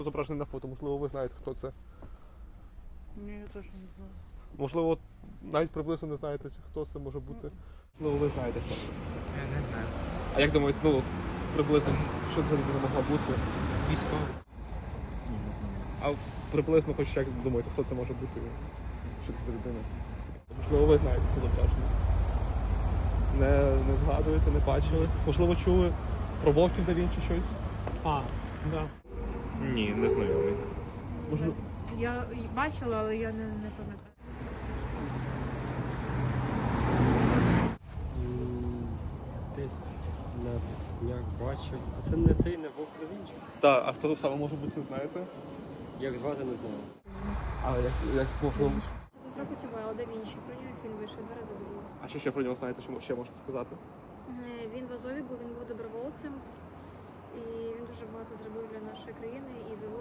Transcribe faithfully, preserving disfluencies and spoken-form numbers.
Зображений на фото, можливо, ви знаєте, хто це. Ні, я теж не знаю. Можливо, навіть приблизно не знаєте, хто це може бути. Можливо, ви знаєте, хто це. Я не знаю. А як думаєте, ну от приблизно, що це за людина могла бути? Військовий. Ні, не знаю. А приблизно, хоч як думаєте, хто це може бути? Що це за людина? Можливо, ви знаєте, хто зображений. Не, не згадуєте, не бачили. Можливо, чули про Вовків да Вінчі щось? А, да. Ні, не знайомий. Можливо. Я бачила, але я не, не пам'ятаю. Десь на днях бачив. А це не цей не Вовк да Вінчі? Так, а хто саме може бути, знаєте? Як звати, не знаю. А як, як можливо? Дмитро Коцюбайло, Да Вінчі. Про нього фільм вийшов, два рази дивилася. А що ще про нього знаєте, що ще можете сказати? Е, Він в Азові був, він був добровольцем. І він дуже багато зробив для нашої країни і